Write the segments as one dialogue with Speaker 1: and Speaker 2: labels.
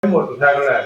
Speaker 1: Motorcycle लै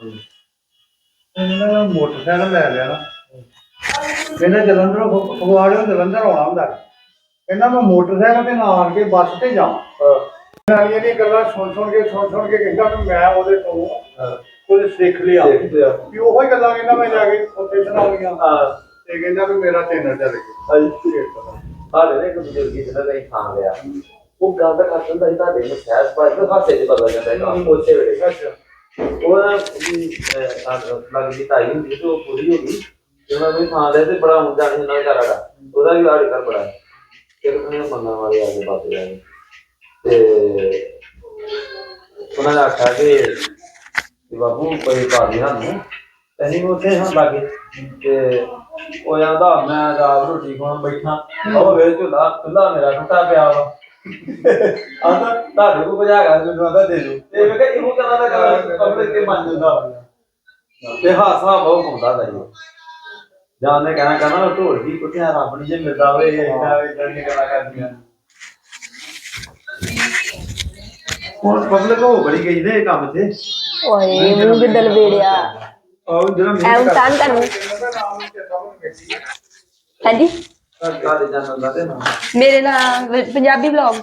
Speaker 1: लिया motorcycle लै लिया ना कहना जलंधर फगवाड़े जलंधर आना होंगे कहना मैं मोटरसाइकिल से ना आन के बस से जावां गल्लां सुन के कहता भी मैं वो कुछ सीख लिया भी ओही गल्लां कहना मैं जाके उत्थे सुनाउणियां ते कहंदा भी मेरा चैनल चल गया
Speaker 2: हाले ने एक बुजुर्ग जिन्ना कहीं खा लिया वो गंद कर दिंदा था दे सहज पास तो हासे च पता जाता है काम उसे वेले अच्छा वो लगदी ताई हुंदी तो पूरी हो गई उन्होंने भी खा लिया ते बड़ा मुद्दा नहीं ना घर आड़ा ओदा भी आड़ कर बड़ा फिर उन्हें मन्ना वाले आगे बात जाए ते उन्होंने आखा कि बाबू कोई पा दी सानू तैनी उत्थे हम लागे ते ओ आंदा मैं रात रोटी खाण बैठा ओ वे चुल्ला मेरा टुटा पिया वा आंदा ताड़े को बजा के मैनू आंदा दे दो ते मैं कहा इहो कहना दा पब्लिक के मान जंदा ते हासा बहुत पाउंदा दा जी जाने कहना ढोल की कुटिया रब नहीं जे मिलदा होवे इदां दी गल्लां करदियां और पब्लिक हो बड़ी गई ने काम ते
Speaker 3: ओए मुंह के दल बेड़िया
Speaker 2: और जरा
Speaker 3: ਐ ਉਤਾਨ ਕਰ ਹਾਂਜੀ
Speaker 2: काले चैनल दा ते ना
Speaker 3: ਮੇਰੇ ਨਾਲ ਪੰਜਾਬੀ ਵਲੌਗ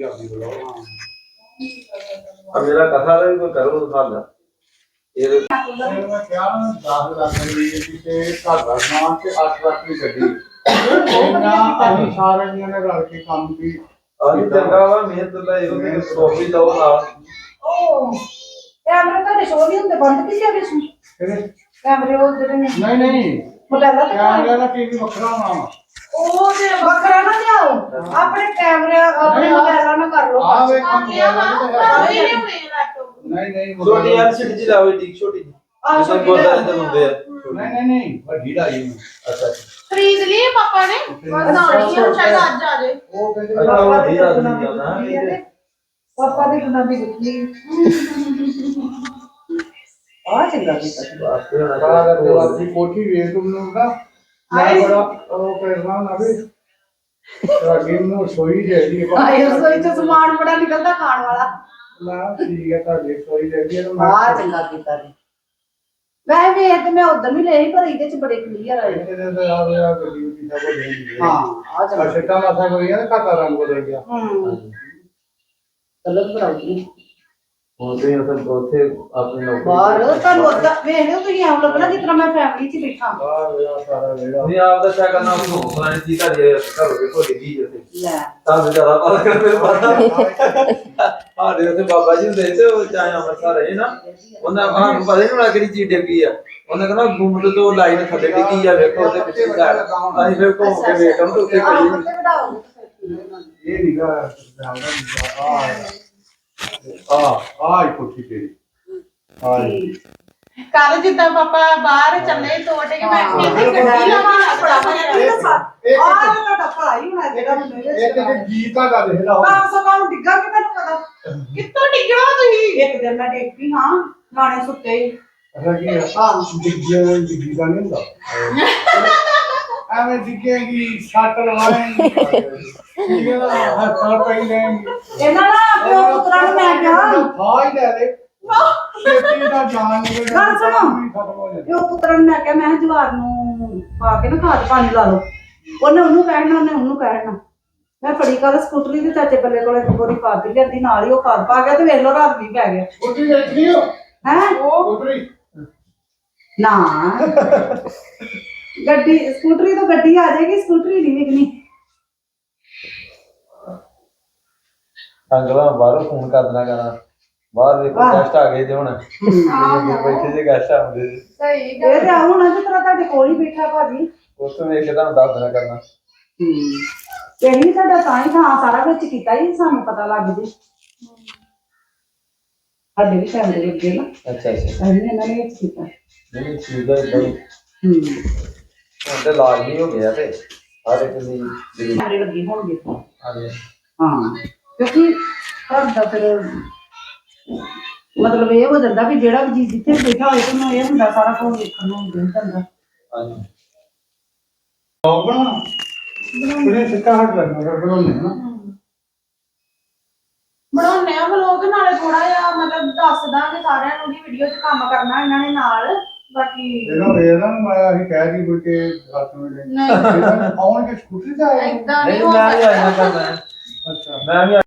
Speaker 2: अब मेरा कथा दा कोई करो साल ये
Speaker 1: मैं क्या 10 लाख दी ते घर दा नाम ते 8 लाख दी गड्डी ना अभी सारे ने रल के काम की
Speaker 2: अभी चंगा वा मेहनत दा यो ते टोपी दो ना
Speaker 4: ओ कैमरा का शो नहीं होंगे बंद किसी अभी सुन कैमरे वो जरे
Speaker 1: नहीं
Speaker 4: मोबाइल
Speaker 1: कैमरा दा टीवी वखरा होना
Speaker 4: ओ जे बकरा ना जाओ अपने कैमरे अपने मोबाइल ना कर लो
Speaker 1: हां वे नहीं
Speaker 2: छोटी एलसीडी जी लाओ ठीक छोटी जी जैसे गोदा अंदर होंदे
Speaker 1: नहीं बड़ी लाई
Speaker 2: अच्छा
Speaker 5: खरीद लिए पापा ने बनानी है शायद आज आ जाए
Speaker 1: वो कहते
Speaker 2: अच्छा वो धीरा धीरा ना
Speaker 4: पापा ने कितना भी लिखी आ चंगा की
Speaker 1: बात कोठी ਵੇਖ ਨੂੰ ਨਾ ਮੈਂ ਬੜਾ ਉਹ ਕਰਨਾ ਨਾ ਵੀ ਤੁਹਾਡੀ ਨੂੰ ਸੋਈ ਜਿਹੜੀ
Speaker 4: आए रसोई से सामान बड़ा निकलता खाने वाला
Speaker 1: ਨਾ ਠੀਕ ਹੈ ਤੁਹਾਡੀ ਸੋਈ ਜਿਹੜੀ ਹੈ
Speaker 4: आ चंगा कीता ने वह भी है तो मैं उधर भी ले ही पर ਇਹਦੇ ਚ ਬੜੇ ਕਲੀਅਰ ਆਏ
Speaker 1: ਇਹਦੇ ਤੇ ਆ ਗਿਆ ਗੱਡੀ ਦੀ ਸਭ ਹੋ ਗਈ
Speaker 4: हां आ चंगा
Speaker 1: ਛੱਟਾ ਮਾਸਾ ਕੋਈ ਹੈ ਘਾਟਾ ਰੰਗ ਬਦਲ ਗਿਆ
Speaker 4: ਕਲਰ ਬਣਾਉਣੀ
Speaker 2: होते हैं सब उथे अपने नौकरी
Speaker 4: ਬਾਹਰ ਤੁਹਾਨੂੰ ਉਦਾਂ ਵੇਖ ਲਿਓ ਤੁਸੀਂ ਐਂ ਲੱਗਣਾ ਜਿਸ ਤਰ੍ਹਾਂ ਮੈਂ ਫੈਮਿਲੀ 'ਚ ਬੈਠਾ
Speaker 1: ਆ ਗਿਆ ਸਾਰਾ ਵੇੜਾ
Speaker 2: नहीं आप दसा करना हो फलाने जी का ये करो के थोड़ी जी जैसे
Speaker 4: ਲੈ
Speaker 2: तां ज्यादा पता कर मेरे पता हां दे बाबा जी दे ते चाहे अमृतसर रहे ना उन्हें हां पता नहीं ना केड़ी चीज डेगी आ उन्हें कहना घूम तो लाइन थले डिगी आ देखो ते पीछे जा ਅਸੀਂ ਫਿਰ ਘੁੰਮ ਕੇ ਵੇਖਣ ਤੇ ਉੱਤੇ ਪਈ
Speaker 1: ਇਹ ਨਿਗਾ ਆ ਕੋਠੀ ਤੇਰੀ ਆ
Speaker 5: कल जिद्दां पापा बाहर चले तोड़ के मैं कहती गड्डी लवा बड़ा
Speaker 4: ਆ ਤੁਹਾਡਾ ਭਰਾ ਹੀ ਹੋਣਾ ਜਿਹੜਾ ਮੈਨੂੰ
Speaker 1: ਇੱਕ ਇੱਕ ਗੀਤ ਆ ਗਾ ਦੇਖ ਲਾ
Speaker 4: ਤਾਂ ਸਭਾ ਨੂੰ ਡਿੱਗਾ ਕਿ ਮੈਨੂੰ ਪਤਾ
Speaker 5: कित्तों डिगना तुही
Speaker 4: ਇੱਕ ਦਿਨ ਮੈਂ ਡਿੱਗ ਪਈ ਹਾਂ ਗਾਣੇ ਸੁੱਤੇ ਹੀ
Speaker 1: ਅਸਾਂ ਕੀ ਡਿੱਗੀ ਦਾ ਨਹੀਂ ਹੁੰਦਾ ਐਵੇਂ ਡਿੱਗੇਗੀ ਸੱਟ ਲਵਾਏਗੀ ਠੀਕ ਹੈ ਨਾ ਹੱਥਾਂ ਪਈ ਲੈਣਗੀ
Speaker 4: ਇਹਨਾਂ ਨਾ ਪਿਓ ਪੁੱਤਰਾਂ ਨੂੰ ਮੈਂ ਕਿਹਾ
Speaker 1: ਹਾਂ ਹੀ ਲੈ ਲੈ ਛੇਤੀ ਦਾ ਜਾਨ ਨਿਕਲ
Speaker 4: ਗੱਲ ਸੁਣੋ।
Speaker 1: ਖਤਮ ਹੋ ਜਾਂਦਾ
Speaker 4: ਪਿਓ ਪੁੱਤਰਾਂ ਨੂੰ ਮੈਂ ਕਿਹਾ ਮੈਂ ਕਿਹਾ ਜਵਾਰ ਨੂੰ ਪਾ ਕੇ ਨਾ ਖਾਦ ਪਾਣੀ ਲਾ ਲਓ ਉਹਨੇ ਉਹਨੂੰ ਕਹਿਣਾ ਉਹਨੇ ਉਹਨੂੰ ਕਹਿਣਾ ਮੈਂ ਫੜੀ ਕਰ ਸਕੂਟਰੀ ਦੇ ਚਾਚੇ ਬੱਲੇ ਕੋਲੇ ਗੋਰੀ ਪਾ ਦਿੱਤੀ ਲੈਂਦੀ ਨਾਲ ਹੀ ਉਹ ਖਾਦ ਪਾ ਗਿਆ ਤੇ ਵੇਖ ਲਓ ਰਾਤ ਵੀ ਪੈ ਗਿਆ
Speaker 1: ਉੱਠੀ ਦੇਖਦੀ ਹੋ
Speaker 4: ਹੈ
Speaker 1: ਉੱਠੀ
Speaker 4: ਨਾ ਗੱਡੀ ਸਕੂਟਰੀ ਤੋਂ ਗੱਡੀ ਆ ਜਾਏਗੀ ਸਕੂਟਰੀ ਨਹੀਂ ਵਿਕਣੀ
Speaker 2: ਅੰਗਲਾ ਬਾਹਰੋਂ ਫੋਨ ਕਰ ਦੇਣਾ ਕਹਿਣਾ ਬਾਹਰ ਦੇਖੋ ਗੈਸਟ ਆ ਗਏ ਤੇ ਹੁਣ ਬੈਠੇ ਜੇ ਗੈਸਟ ਆਉਂਦੇ
Speaker 5: सही
Speaker 4: ਇਹ ਤੇ ਆਉਂ ਨਾ ਜਿਸ ਤਰ੍ਹਾਂ ਤੁਹਾਡੇ ਕੋਲ ਹੀ ਬੈਠਾ ਭਾਜੀ
Speaker 2: ਉਸ ਤੋਂ ਵੇਖ ਕੇ ਤੁਹਾਨੂੰ ਦੱਸ ਦੇਣਾ ਕਰਨਾ
Speaker 4: ਇਹੀ ਸਾਡਾ ਤਾਂ ਹੀ ਥਾਂ ਸਾਰਾ ਕੁਝ ਕੀਤਾ ਹੀ ਸਾਨੂੰ ਪਤਾ ਲੱਗ ਜੇ ਸਾਡੇ ਵੀ ਕੈਮਰੇ ਲੱਗੇ ਨਾ
Speaker 2: ਅੱਛਾ
Speaker 4: ਅਸੀਂ ਇਹਨਾਂ ਨੇ ਵਿੱਚ ਕੀਤਾ
Speaker 2: ਨਹੀਂ ਠੀਕ ਹੈ ਇਦਾਂ ਹੁਣ ਤੇ ਲਾਜ ਨਹੀਂ ਹੋ ਗਿਆ ਤੇ ਹਰ ਇੱਕ ਦੀ ਜਿਹੜੀ
Speaker 4: ਕੈਮਰੇ ਲੱਗੇ ਹੋਣਗੇ
Speaker 2: ਹਾਂਜੀ
Speaker 4: ਹਾਂ ਕਿਉਂਕਿ ਘਰ ਦਾ ਫਿਰ ਮਤਲਬ ਇਹ ਹੋ ਜਾਂਦਾ ਵੀ ਜਿਹੜਾ ਵੀ ਜੀ ਜਿੱਥੇ ਬੈਠਾ ਹੋਏ ਤਾਂ ਇਹ ਹੁੰਦਾ ਸਾਰਾ ਕੁਝ ਦੇਖਣ ਨੂੰ ਮਿਲ ਜਾਂਦਾ
Speaker 2: ਹਾਂਜੀ
Speaker 1: ਲੋਕ ਬਣਾਉਣਾ ਕਿਹਨੇ ਸਿੱਕਾ ਹੱਟ ਲੱਗਣਾ ਬਣਾਉਣੇ ਨਾ
Speaker 5: ਬਣਾਉਣੇ ਆ ਵਲੋਗ ਨਾਲੇ ਥੋੜਾ ਜਿਹਾ ਮਤਲਬ ਦੱਸ ਦਾਂਗੇ ਸਾਰਿਆਂ ਨੂੰ ਵੀ ਵੀਡੀਓ 'ਚ ਕੰਮ ਕਰਨਾ ਇਹਨਾਂ ਨੇ ਨਾਲ ਬਾਕੀ
Speaker 1: ਇਹਨਾਂ ਵੇਰਾਂ ਨੂੰ ਮੈਂ ਅਸੀਂ ਕਹਿ ਦੀ ਕਿ ਹੱਥ ਨੂੰ ਲੈ
Speaker 5: ਨਹੀਂ
Speaker 1: ਆਉਣਗੇ ਸਕੂਟਰੀ ਤੇ ਆਏ
Speaker 5: ਏਦਾਂ
Speaker 2: ਨਹੀਂ
Speaker 5: ਨਹੀਂ ਹੋ
Speaker 2: ਮੈਂ ਵੀ ਆਇਆ
Speaker 5: ਸਕਦਾ
Speaker 2: ਕਰਦਾ
Speaker 1: ਅੱਛਾ
Speaker 2: ਮੈਂ ਵੀ